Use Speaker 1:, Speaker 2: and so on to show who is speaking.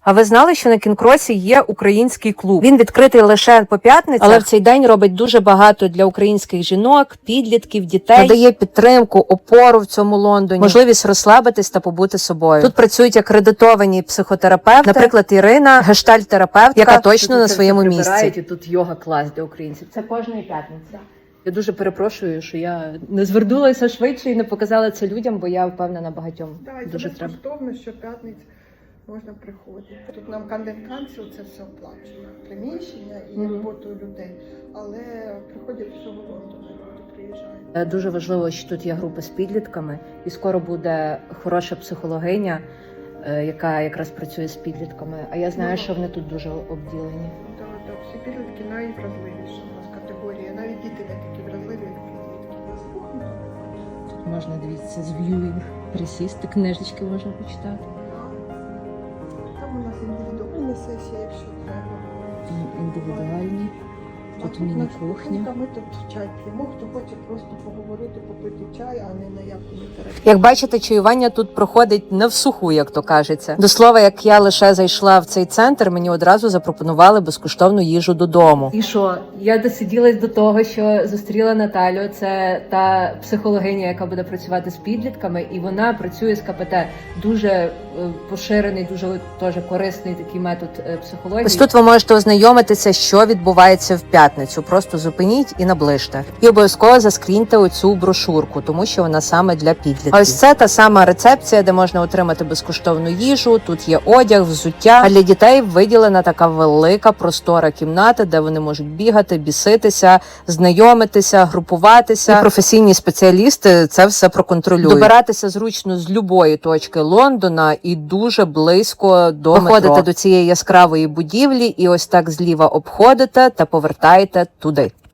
Speaker 1: А ви знали, що на Кінг-Кросі є український клуб? Він відкритий лише по п'ятницях, але в цей день робить дуже багато для українських жінок, підлітків, дітей. Надає підтримку, опору в цьому Лондоні, можливість розслабитись та побути собою. Тут працюють акредитовані психотерапевти, наприклад, Ірина, гештальт-терапевтка, яка точно на своєму місці. І тут йога-клас для українців. Це кожної п'ятниці. Я дуже перепрошую, що я не звернулася швидше і не показала це людям, бо я впевнена багатьом дуже треба.
Speaker 2: Безкоштовно, щоп'ятниць можна приходити. Тут нам Camden Council це все оплачено. Приміщення і роботу людей. Але приходять з всього Лондона, люди приїжджають.
Speaker 1: Дуже важливо, що тут є група з підлітками, і скоро буде хороша психологиня, яка якраз працює з підлітками. А я знаю, що вони тут дуже обділені.
Speaker 2: Так, всі підлітки найвразливіші у нас категорія. Навіть діти не такі вразливі, як підлітки.
Speaker 1: Тут можна, дивіться, з в'юінг присісти, книжечки можна почитати.
Speaker 2: Там у нас індивідуальна сесія, якщо треба.
Speaker 1: Індивідуальні. Тут міні-кухня.
Speaker 2: Ми тут чай п'ємо, хто хоче просто поговорити, попити чай, а не на якому терапії.
Speaker 1: Як бачите, чаювання тут проходить не всуху, як то кажеться. До слова, як я лише зайшла в цей центр, мені одразу запропонували безкоштовну їжу додому. І що? Я досиділась до того, що зустріла Наталю. Це та психологиня, яка буде працювати з підлітками, і вона працює з КПТ. Дуже поширений, дуже теж корисний такий метод психології. Ось тут ви можете ознайомитися, що відбувається в п'ятницю. Просто зупиніть і наближте. І обов'язково заскріньте оцю брошурку, тому що вона саме для підлітків. А ось це та сама рецепція, де можна отримати безкоштовну їжу. Тут є одяг, взуття. А для дітей виділена така велика простора кімната, де вони можуть бігати, біситися, знайомитися, групуватися. І професійні спеціалісти це все проконтролюють. Добиратися зручно з любої точки Лондона і дуже близько до метро. Виходите до цієї яскравої будівлі і ось так зліва обходите та повертаєте туди.